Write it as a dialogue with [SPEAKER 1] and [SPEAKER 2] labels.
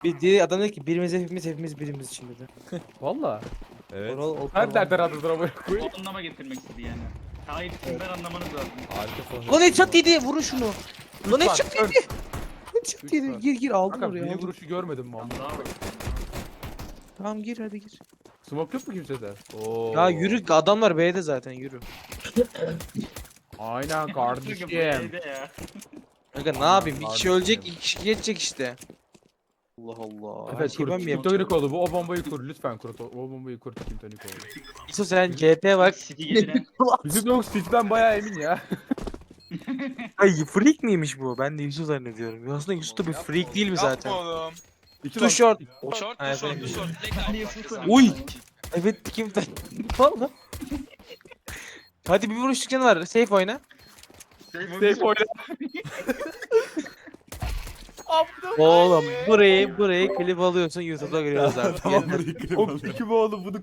[SPEAKER 1] Adam dedi ki birimiz hepimiz birimiz için dedi.
[SPEAKER 2] Valla.
[SPEAKER 3] Evet.
[SPEAKER 2] Her nereden adını amına koyayım?
[SPEAKER 4] O anlama getirmek istedi yani. Hayır kimden anlamanız lazım.
[SPEAKER 3] Harika falan.
[SPEAKER 1] Lan headshot yedi, vurun şunu. Lan
[SPEAKER 2] Lütfen,
[SPEAKER 1] headshot yedi. Headshot yedi.
[SPEAKER 2] Lütfen.
[SPEAKER 1] Gir aldım
[SPEAKER 2] Kanka
[SPEAKER 1] oraya.
[SPEAKER 2] bir
[SPEAKER 1] Aldım.
[SPEAKER 2] vuruşu görmedim mi amına?
[SPEAKER 4] Daha var.
[SPEAKER 1] Tamam gir hadi gir.
[SPEAKER 2] Smoke yok mu kimsede? Oo.
[SPEAKER 1] Ya yürü, adamlar B'de zaten yürü.
[SPEAKER 2] Aynen kardeşim.
[SPEAKER 4] B'de ya.
[SPEAKER 1] Kanka ne yapayım? Bir kişi
[SPEAKER 2] Kardeşim.
[SPEAKER 1] ölecek, iki kişi geçecek işte. Allah Allah. Her
[SPEAKER 2] Evet
[SPEAKER 1] şeyi
[SPEAKER 2] kur.
[SPEAKER 1] ben mi
[SPEAKER 2] Kim
[SPEAKER 1] yapacağım?
[SPEAKER 2] Tonik oldu bu? O bombayı kur lütfen kur. O bombayı kur Kim Tonik oldu.
[SPEAKER 1] İso sen GP bak.
[SPEAKER 4] City getiren.
[SPEAKER 2] Bizim yok City'den bayağı emin ya.
[SPEAKER 1] Ay freak miymiş bu? Ben de Yusuf zannediyorum. Aslında Yusuf da bir freak değil mi zaten?
[SPEAKER 5] Yapma oğlum.
[SPEAKER 2] İki
[SPEAKER 1] Too short.
[SPEAKER 5] Short
[SPEAKER 1] Ha,
[SPEAKER 5] mu short
[SPEAKER 1] evet.
[SPEAKER 5] mu short? Direkt
[SPEAKER 4] Hadi
[SPEAKER 5] abi
[SPEAKER 4] Yusuf'un.
[SPEAKER 5] başlasana.
[SPEAKER 1] Uy. Evet kim Valla. Hadi bir vuruş canı var. Safe oyna.
[SPEAKER 2] Safe oyna.
[SPEAKER 1] Oğlum burayı klip alıyorsun YouTube'da görüyoruz artık.
[SPEAKER 3] Tamam
[SPEAKER 1] Yeter.
[SPEAKER 3] burayı kırayım.
[SPEAKER 2] O iki bu oğlum bunu